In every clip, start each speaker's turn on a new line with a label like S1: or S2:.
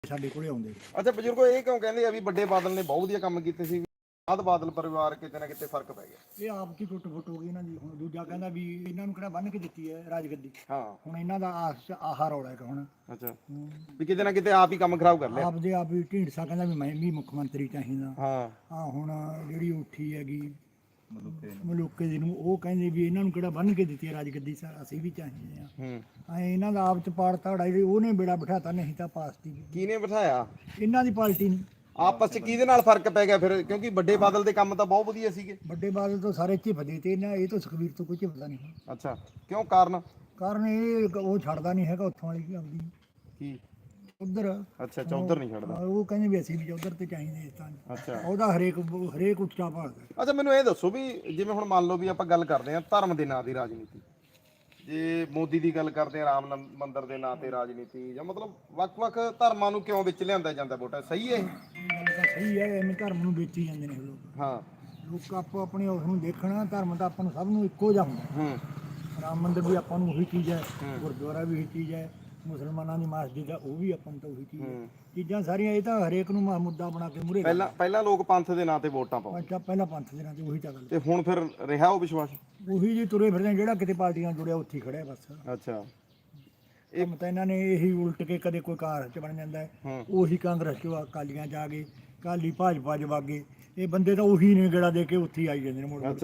S1: ਸਾਡੇ ਕੋਲੇ ਆਉਂਦੇ।
S2: ਅੱਛਾ ਬਜ਼ੁਰਗੋ, ਇਹ ਕਿਉਂ ਕਹਿੰਦੇ ਆ ਵੀ ਵੱਡੇ ਬਾਦਲ ਨੇ ਬਹੁਤ ਵਧੀਆ ਕੰਮ ਕੀਤੇ ਸੀ, ਬਾਅਦ ਬਾਦਲ ਪਰਿਵਾਰ ਕਿਤੇ ਨਾ ਕਿਤੇ ਫਰਕ ਪੈ ਗਿਆ?
S1: ਇਹ ਆਪ ਦੀ ਟੁੱਟ ਫੁੱਟ ਹੋ ਗਈ ਇਹਨਾਂ ਦੀ। ਹੁਣ ਦੂਜਾ ਕਹਿੰਦਾ ਵੀ ਇਹਨਾਂ ਨੂੰ ਕਿਹੜਾ ਬੰਨ ਕੇ ਦਿੱਤੀ ਹੈ ਰਾਜਗੱਦੀ।
S2: ਹਾਂ।
S1: ਹੁਣ ਇਹਨਾਂ ਦਾ ਆਹ ਰੌਲਾ ਹੈ ਹੁਣ।
S2: ਅੱਛਾ, ਵੀ ਕਿਤੇ ਨਾ ਕਿਤੇ ਆਪ ਹੀ ਕੰਮ ਖਰਾਬ ਕਰ ਲਿਆ।
S1: ਆਪਦੇ ਆਪ ਹੀ ਢੀਂਡਸਾ ਕਹਿੰਦਾ ਵੀ ਮੈਂ ਵੀ ਮੁੱਖ ਮੰਤਰੀ ਚਾਹੀਦਾ।
S2: ਹਾਂ।
S1: ਆ ਹੁਣ ਜਿਹੜੀ ਉੱਠੀ ਹੈਗੀ ਮਲੂਕੇ ਦੀ ਨੂੰ, ਉਹ ਕਹਿੰਦੇ ਵੀ ਇਹਨਾਂ ਨੂੰ ਕਿਹੜਾ ਬੰਨ ਕੇ ਦਿੱਤੀ ਹੈ ਰਾਜਗੱਦੀ, ਅਸੀਂ ਵੀ ਚਾਹੀਦੇ ਆ। ਇਹਨਾਂ ਦਾ ਆਪ ਚ ਪਾੜ ਧਾੜਾ ਜਿਹੜੀ ਉਹਨੇ ਬੇੜਾ ਬਿਠਾਤਾ, ਨਹੀਂ ਤਾਂ ਪਾਸ ਦੀ
S2: ਕਿਹਨੇ ਬਿਠਾਇਆ?
S1: ਇਹਨਾਂ ਦੀ ਪਾਰਟੀ ਨੇ।
S2: ਆਪਸ ਚ ਕਿਹਦੇ ਨਾਲ ਫਰਕ ਪੈ ਗਿਆ ਫਿਰ? ਕਿਉਂਕਿ ਵੱਡੇ ਬਾਦਲ ਦੇ ਕੰਮ ਤਾਂ ਬਹੁਤ ਵਧੀਆ ਸੀਗੇ।
S1: ਵੱਡੇ ਬਾਦਲ ਤੋਂ ਸਾਰੇ ਝਿਪਦੇ ਤੇ ਇਹਨਾਂ, ਇਹ ਤੋਂ ਸੁਖਬੀਰ ਤੋਂ ਕੋਈ ਝਿਪਦਾ ਨਹੀਂ।
S2: ਅੱਛਾ, ਕਿਉਂ? ਕਾਰਨ
S1: ਇਹ ਉਹ ਛੱਡਦਾ ਨਹੀਂ ਹੈਗਾ ਉੱਥੋਂ ਵਾਲੀ ਆਪਦੀ
S2: ਕੀ
S1: ਉਧਰ।
S2: ਅੱਛਾ, ਚੌਧਰ ਨਹੀਂ ਛੱਡਦਾ।
S1: ਉਹ ਕਹਿੰਦੇ ਵੀ ਅਸੀਂ ਵੀ ਉਧਰ ਤੇ ਚਾਹੀਦੇ ਇਸ ਤਾਂ।
S2: ਅੱਛਾ,
S1: ਉਹਦਾ ਹਰੇਕ ਉੱਚਾ ਭਾਲਦਾ।
S2: ਅੱਛਾ ਮੈਨੂੰ ਇਹ ਦੱਸੋ ਵੀ ਜਿਵੇਂ ਹੁਣ ਮੰਨ ਲਓ ਵੀ ਆਪਾਂ ਗੱਲ ਕਰਦੇ ਹਾਂ ਧਰਮ ਦੇ ਨਾਂ ਦੀ ਰਾਜਨੀਤੀ, ਜੇ ਮੋਦੀ ਦੀ ਗੱਲ ਕਰਦੇ ਆ ਰਾਮ ਮੰਦਿਰ ਦੇ ਨਾਂ ਤੇ ਰਾਜਨੀਤੀ, ਜਾਂ ਮਤਲਬ ਵੱਖ-ਵੱਖ ਧਰਮਾਂ ਨੂੰ ਕਿਉਂ ਵਿੱਚ ਲਿਆਂਦਾ ਜਾਂਦਾ ਵੋਟਾਂ, ਸਹੀ ਹੈ ਇਹ?
S1: ਗੱਲ ਤਾਂ ਸਹੀ ਹੈ, ਐਵੇਂ ਧਰਮ ਨੂੰ ਵੇਚੀ ਜਾਂਦੇ ਨੇ ਲੋਕ।
S2: ਹਾਂ,
S1: ਲੋਕ ਆਪੋ ਆਪਣੇ ਉਸ ਨੂੰ ਦੇਖਣਾ, ਧਰਮ ਤਾਂ ਆਪਾਂ ਨੂੰ ਸਭ ਨੂੰ ਇੱਕੋ ਜਿਹਾ ਹੁੰਦਾ। ਰਾਮ ਮੰਦਿਰ ਵੀ ਆਪਾਂ ਨੂੰ ਉਹੀ ਚੀਜ਼ ਹੈ, ਗੁਰਦੁਆਰਾ ਵੀ ਉਹੀ ਚੀਜ਼ ਹੈ, ਮੁਸਲਮਾਨਾਂ ਦੀ ਮਸਜਿਦ ਹੈ ਉਹ ਵੀ ਆਪਾਂ ਨੂੰ ਤਾਂ ਉਹੀ ਚੀਜ਼ ਹੈ। ਚੀਜ਼ਾਂ ਸਾਰੀਆਂ ਇਹ ਤਾਂ ਹਰੇਕ ਨੂੰ ਮੁੱਦਾ ਬਣਾ ਕੇ ਮੂਹਰੇ।
S2: ਪਹਿਲਾਂ ਲੋਕ ਪੰਥ ਦੇ ਨਾਂ ਤੇ ਵੋਟਾਂ ਪਾਉਂਦੇ।
S1: ਅੱਛਾ, ਪਹਿਲਾਂ ਪੰਥ ਦੇ ਨਾਂ ਤੇ ਉਹੀ ਤਾਂ ਗੱਲ।
S2: ਤੇ ਹੁਣ ਫਿਰ ਰਿਹਾ ਉਹ ਵਿਸ਼ਵਾਸ?
S1: ਉਹੀ ਜੀ ਤੁਰੇ ਫਿਰਦੇ, ਜਿਹੜਾ ਕਿਤੇ ਪਾਰਟੀਆਂ ਜੁੜਿਆ ਉੱਥੇ ਹੀ ਖੜਿਆ ਬਸ।
S2: ਅੱਛਾ,
S1: ਇਹ ਤਾਂ ਇਹਨਾਂ ਨੇ ਇਹੀ ਉਲਟ ਕੇ ਕਦੇ ਕੋਈ ਕਾਂਗਰਸ ਚ ਬਣ ਜਾਂਦਾ ਹੈ, ਉਹੀ ਕਾਂਗਰਸ ਚ ਅਕਾਲੀਆਂ ਚ ਆ ਗਏ, ਅਕਾਲੀ ਭਾਜਪਾ ਚ ਵਗ ਗਏ। ਇਹ ਬੰਦੇ ਤਾਂ ਉਹੀ ਨੇ ਗੇੜਾ ਦੇ ਕੇ ਉੱਥੇ ਹੀ ਆਈ ਜਾਂਦੇ ਨੇ ਮੁੜ ਮੁੜ।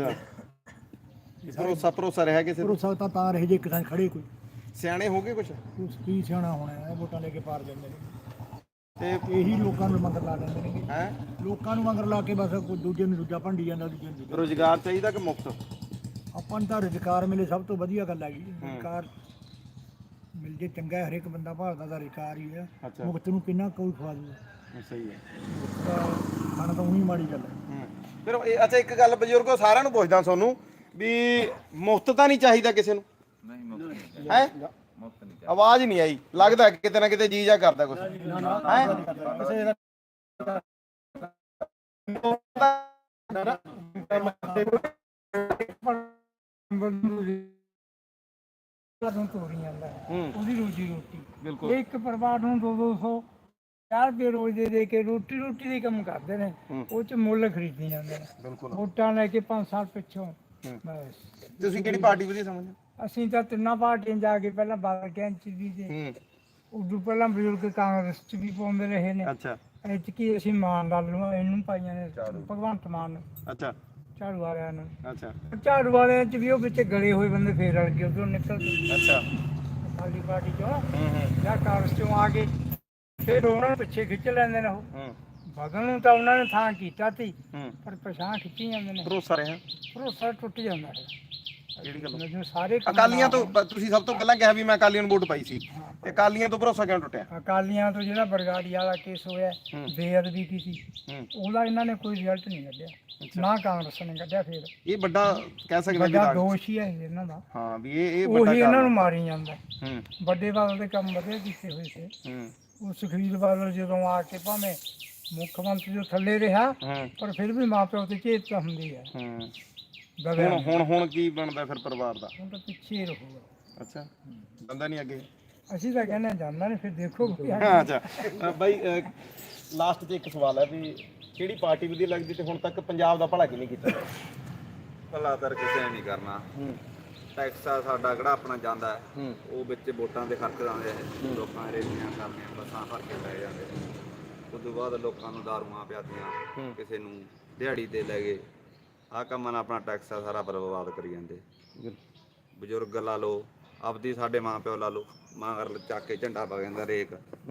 S2: ਅੱਛਾ, ਭਰੋਸਾ ਰਿਹਾ ਕਿਸੇ ਤੇ?
S1: ਭਰੋਸਾ ਤਾਂ ਰਹੇ ਜੇ ਇੱਕ ਥਾਂ ਖੜੇ ਕੋਈ।
S2: ਸਿਆਣੇ ਹੋ ਗਏ ਕੁਛ?
S1: ਕੀ ਸਿਆਣਾ ਹੋਣਾ ਹੈ, ਵੋਟਾਂ ਲੈ ਕੇ ਪਾਰ ਜਾਂਦੇ ਨੇ
S2: ਤੇ
S1: ਇਹੀ ਲੋਕਾਂ ਨੂੰ ਮਗਰ ਲਾ ਦਿੰਦੇ ਨੇ।
S2: ਹੈ
S1: ਲੋਕਾਂ ਨੂੰ ਮਗਰ ਲਾ ਕੇ ਬਸ ਕੋਈ ਦੂਜੇ ਨੂੰ ਦੂਜਾ ਭੰਡੀ ਜਾਂਦਾ, ਦੂਜੇ ਨੂੰ ਦੂਜਾ।
S2: ਰੁਜ਼ਗਾਰ ਚਾਹੀਦਾ ਕਿ ਮੁਫਤ?
S1: ਆਪਾਂ ਨੂੰ ਤਾਂ ਰੁਜ਼ਗਾਰ ਮਿਲੇ ਸਭ ਤੋਂ ਵਧੀਆ ਗੱਲ ਹੈਗੀ। ਰੁਜ਼ਗਾਰ ਮਿਲ ਜੇ ਚੰਗਾ, ਹਰੇਕ ਬੰਦਾ ਭਾਲਦਾ ਦਾ ਰੁਜ਼ਗਾਰ ਹੀ ਹੈ। ਮੁਫਤ ਨੂੰ ਕਿੰਨਾ ਕੋਈ ਖਵਾ ਦੂਗਾ।
S2: ਸਹੀ ਹੈ,
S1: ਖਾਣਾ ਤਾਂ ਉਹੀ ਮਾੜੀ ਗੱਲ ਹੈ।
S2: ਫਿਰ ਅੱਛਾ ਇੱਕ ਗੱਲ ਬਜ਼ੁਰਗੋ ਸਾਰਿਆਂ ਨੂੰ ਪੁੱਛਦਾ ਤੁਹਾਨੂੰ ਵੀ ਮੁਫਤ ਤਾਂ ਨਹੀਂ ਚਾਹੀਦਾ ਕਿਸੇ ਨੂੰ? ਨਹੀਂ, ਮੁਫਤ ਹੈ। ਆਵਾਜ਼ ਨਹੀਂ ਆਈ, ਲੱਗਦਾ ਕਿਤੇ ਨਾ ਕਿਤੇ ਜੀ ਜਾ ਕਰਦਾ ਕੁਛ ਹੈ।
S1: ਤੋਰੀ ਜਾਂਦਾ ਉਹਦੀ ਰੋਜੀ ਰੋਟੀ। ਬਿਲਕੁਲ, ਇੱਕ ਪਰਿਵਾਰ ਨੂੰ 200 ਰੁਪਏ ਰੋਜ਼ ਦੇ ਕੇ ਰੋਟੀ ਦੇ ਕੰਮ ਕਰਦੇ ਨੇ, ਉਹ ਚ ਮੁੱਲ ਖਰੀਦੀ ਜਾਂਦੇ ਨੇ ਵੋਟਾਂ ਲੈ ਕੇ 5 ਸਾਲ ਪਿੱਛੋਂ। ਬਸ
S2: ਤੁਸੀਂ ਕਿਹੜੀ ਪਾਰਟੀ ਵਧੀਆ ਸਮਝਦੇ?
S1: ਅਸੀਂ ਤਾਂ ਤਿੰਨਾਂ ਪਾਰਟੀਆਂ ਜਾ ਕੇ ਪਹਿਲਾਂ ਬਾਦਲ ਕੈਂਚ ਵੀ ਤੇ ਉਦੋਂ ਪਹਿਲਾਂ ਬਜ਼ੁਰਗ ਕਾਂਗਰਸ ਚ ਵੀ ਪਾਉਂਦੇ ਰਹੇ ਨੇ।
S2: ਅੱਛਾ,
S1: ਐਤਕੀ ਅਸੀਂ ਮਾਨ ਲਾਲ ਨੂੰ ਇਹਨੂੰ ਪਾਈਆਂ ਨੇ, ਭਗਵੰਤ ਮਾਨ ਨੂੰ।
S2: ਅੱਛਾ,
S1: ਝਾੜੂ ਵਾਲਿਆਂ ਨੂੰ।
S2: ਅੱਛਾ,
S1: ਝਾੜੂ ਵਾਲਿਆਂ ਚ ਵੀ ਉਹ ਵਿੱਚ ਗਲੇ ਹੋਏ ਬੰਦੇ ਫੇਰ ਰਲ ਗਏ ਉਧਰੋਂ ਨਿਕਲ ਕੇ।
S2: ਅੱਛਾ,
S1: ਸਾਡੀ ਪਾਰਟੀ ਚੋਂ ਜਾਂ ਕਾਂਗਰਸ ਚੋਂ ਆ ਕੇ ਫਿਰ ਉਹਨਾਂ ਨੂੰ ਪਿੱਛੇ ਖਿੱਚ ਲੈਂਦੇ ਨੇ। ਉਹ ਬਦਲ ਨੂੰ ਤਾਂ ਉਹਨਾਂ ਨੇ ਥਾਂ ਕੀਤਾ ਸੀ, ਪਰ ਪਛਾਣ ਖਿੱਚੀ ਜਾਂਦੇ ਨੇ।
S2: ਭਰੋਸਾ ਰਿਹਾ?
S1: ਭਰੋਸਾ ਟੁੱਟ ਜਾਂਦਾ ਹੈ।
S2: ਕਿਹੜੀ ਗੱਲ?
S1: ਜਦੋਂ ਸਾਰੇ
S2: ਅਕਾਲੀਆਂ ਤੋਂ ਤੁਸੀਂ ਸਭ ਤੋਂ ਪਹਿਲਾਂ ਕਿਹਾ ਵੀ ਮੈਂ ਅਕਾਲੀਆਂ ਨੂੰ ਵੋਟ ਪਾਈ ਸੀ, ਤੇ ਅਕਾਲੀਆਂ ਤੋਂ ਭਰੋਸਾ ਕਿਉਂ ਟੁੱਟਿਆ?
S1: ਅਕਾਲੀਆਂ ਤੋਂ ਜਿਹੜਾ ਬਰਗਾੜੀ ਵਾਲਾ ਕੇਸ ਹੋਇਆ, ਬੇਅਦਬੀ ਕੀਤੀ, ਉਹਦਾ ਇਹਨਾਂ ਨੇ ਕੋਈ ਰਿਜ਼ਲਟ ਨਹੀਂ ਕੱਢਿਆ, ਨਾ ਕਾਂਗਰਸ ਨੇ ਕੱਢਿਆ। ਫਿਰ ਇਹ
S2: ਵੱਡਾ ਕਹਿ ਸਕਦੇ
S1: ਵੱਡਾ ਦੋਸ਼ ਹੀ ਹੈ ਇਹਨਾਂ ਦਾ।
S2: ਹਾਂ, ਵੀ ਇਹ
S1: ਉਹੀ ਇਹਨਾਂ ਨੂੰ ਮਾਰੀ ਜਾਂਦਾ। ਵੱਡੇ ਬਾਦਲ ਦੇ ਕੰਮ ਵਧੀਆ ਕੀਤੇ ਹੋਏ ਸੀ। ਉਹ ਸੁਖਬੀਰ ਬਾਦਲ ਜਦੋਂ ਆ ਕੇ ਭਾਵੇਂ ਮੁੱਖ ਮੰਤਰੀ ਤੋਂ ਥੱਲੇ ਰਿਹਾ, ਪਰ ਫਿਰ ਵੀ ਮਾਂ ਪਿਓ ਤੇ ਚੇਤਾ ਹੁੰਦੀ ਹੈ।
S2: ਹੁਣ ਕੀ ਬਣਦਾ ਫਿਰ ਪਰਿਵਾਰ ਦਾ?
S1: ਹੁਣ ਤਾਂ ਪਿੱਛੇ ਹੀ ਰਹੂਗਾ।
S2: ਅੱਛਾ, ਬੰਦਾ ਨਹੀਂ ਅੱਗੇ?
S1: ਅਸੀਂ ਤਾਂ ਕਹਿੰਦੇ ਜਾਂਦਾ ਨਹੀਂ, ਫਿਰ ਦੇਖੋ।
S2: ਅੱਛਾ ਬਾਈ, ਲਾਸਟ 'ਚ ਇੱਕ ਸਵਾਲ ਹੈ ਵੀ ਕਿਹੜੀ ਪਾਰਟੀ ਵਧੀਆ ਲੱਗਦੀ ਤੇ ਹੁਣ ਤੱਕ ਪੰਜਾਬ ਦਾ ਭਲਾ ਕਿਹਨੇ ਕੀਤਾ?
S3: ਭਲਾ ਤਾਂ ਕਿਸੇ ਨੇ ਨਹੀਂ ਕਰਨਾ। ਟੈਕਸ ਆ ਸਾਡਾ ਕਿਹੜਾ ਆਪਣਾ ਜਾਂਦਾ ਹੈ, ਉਹ ਵਿੱਚ ਵੋਟਾਂ ਦੇ ਖਰਚ ਆਉਂਦੇ ਆ, ਲੋਕਾਂ ਰੇਲੀਆਂ ਕਰਨੀਆਂ, ਬੱਸਾਂ ਭਰ ਕੇ ਲੈ ਜਾਂਦੇ। ਉਸ ਤੋਂ ਬਾਅਦ ਲੋਕਾਂ ਨੂੰ ਦਾਰੂਆਂ ਪਿਆਦੀਆਂ, ਕਿਸੇ ਨੂੰ ਦਿਹਾੜੀ ਤੇ ਲੈ ਗਏ। ਆਹ ਕੰਮਾਂ ਨਾਲ ਆਪਣਾ ਟੈਕਸ ਆ ਸਾਰਾ ਬਰਬਾਦ ਕਰੀ ਜਾਂਦੇ। ਬਜ਼ੁਰਗ ਲਾ ਲਓ, ਆਪਦੀ ਸਾਡੇ ਮਾਂ ਪਿਓ ਲਾ ਲਓ, ਮਗਰ ਚੱਕ ਕੇ ਝੰਡਾ ਪਾ ਜਾਂਦਾ ਰੇਕ।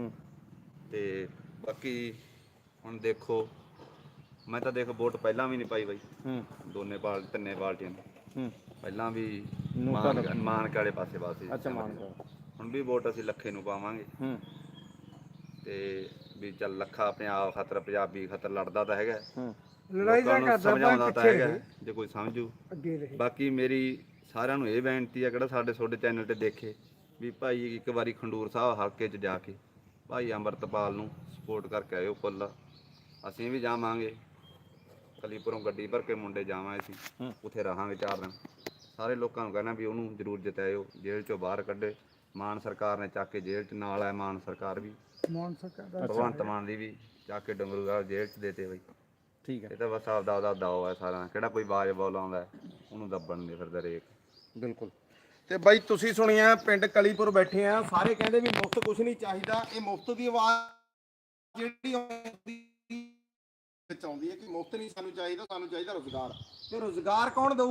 S3: ਤੇ ਬਾਕੀ ਹੁਣ ਦੇਖੋ, ਮੈਂ ਤਾਂ ਦੇਖ ਵੋਟ ਪਹਿਲਾਂ ਵੀ ਨਹੀਂ ਪਾਈ ਬਾਈ, ਤਿੰਨੇ ਪਾਰਟੀਆਂ ਨੂੰ। ਪਹਿਲਾਂ ਵੀ ਮਾਨਕ ਵਾਲੇ ਪਾਸੇ ਹੁਣ ਵੀ ਵੋਟ ਅਸੀਂ ਲੱਖੇ ਨੂੰ ਪਾਵਾਂਗੇ। ਤੇ ਵੀ ਚੱਲ ਲੱਖਾ ਆਪਣੇ ਆਪ ਖਾਤਰ, ਪੰਜਾਬੀ ਖਾਤਰ ਲੜਦਾ ਤਾਂ ਹੈਗਾ, ਲੋਕਾਂ ਨੂੰ ਸਮਝਾਉਂਦਾ ਤਾਂ ਹੈਗਾ ਜੇ ਕੋਈ ਸਮਝੂ। ਬਾਕੀ ਮੇਰੀ ਸਾਰਿਆਂ ਨੂੰ ਇਹ ਬੇਨਤੀ ਆ, ਕਿਹੜਾ ਤੁਹਾਡੇ ਚੈਨਲ ਤੇ ਦੇਖੇ, ਵੀ ਭਾਈ ਇੱਕ ਵਾਰੀ ਖੰਡੂਰ ਸਾਹਿਬ ਹਲਕੇ 'ਚ ਜਾ ਕੇ ਭਾਈ ਅੰਮ੍ਰਿਤਪਾਲ ਨੂੰ ਸਪੋਰਟ ਕਰਕੇ ਆਇਓ ਫੁੱਲ। ਅਸੀਂ ਵੀ ਜਾਵਾਂਗੇ, ਕਲੀਪੁਰੋਂ ਗੱਡੀ ਭਰ ਕੇ ਮੁੰਡੇ ਜਾਵਾਂਗੇ, ਅਸੀਂ ਉੱਥੇ ਰਹਾਂਗੇ 4 ਦਿਨ। ਸਾਰੇ ਲੋਕਾਂ ਨੂੰ ਕਹਿਣਾ ਵੀ ਉਹਨੂੰ ਜ਼ਰੂਰ ਜਿਤਾਇਓ, ਜੇਲ੍ਹ 'ਚੋਂ ਬਾਹਰ ਕੱਢੇ। ਮਾਨ ਸਰਕਾਰ ਨੇ ਚੱਕ ਕੇ ਜੇਲ੍ਹ 'ਚ ਨਾਲ ਹੈ, ਮਾਨ ਸਰਕਾਰ ਵੀ
S1: ਮਾਨਸਾ ਦਾ
S3: ਭਗਵੰਤ ਮਾਨ ਦੀ ਵੀ ਜਾ ਕੇ ਡੰਗਰੂਵਾਲ ਜੇਲ੍ਹ 'ਚ ਦੇਤੇ ਬਈ।
S2: ਠੀਕ ਹੈ
S3: ਇਹ ਤਾਂ ਬਸ ਆਪਦਾ ਦਾਅ ਹੈ ਸਾਰਿਆਂ ਦਾ, ਕਿਹੜਾ ਕੋਈ ਬਾਜ ਬੋਲ ਆਉਂਦਾ ਹੈ, ਉਹਨੂੰ ਦੱਬਣ ਨਹੀਂ ਫਿਰਦਾ ਰੇਕ।
S2: ਬਿਲਕੁਲ। ਤੇ ਬਾਈ ਤੁਸੀਂ ਸੁਣਿਆ ਪਿੰਡ ਕਲੀਪੁਰ ਬੈਠੇ ਆ, ਸਾਰੇ ਕਹਿੰਦੇ ਵੀ ਮੁਫਤ ਕੁਝ ਨਹੀਂ ਚਾਹੀਦਾ। ਇਹ ਮੁਫਤ ਦੀ ਆਵਾਜ਼ ਜਿਹੜੀ ਵਿੱਚ ਆਉਂਦੀ ਹੈ ਕਿ ਮੁਫਤ ਨਹੀਂ ਸਾਨੂੰ ਚਾਹੀਦਾ, ਸਾਨੂੰ ਚਾਹੀਦਾ ਰੁਜ਼ਗਾਰ। ਤੇ ਰੁਜ਼ਗਾਰ ਕੌਣ ਦਊ?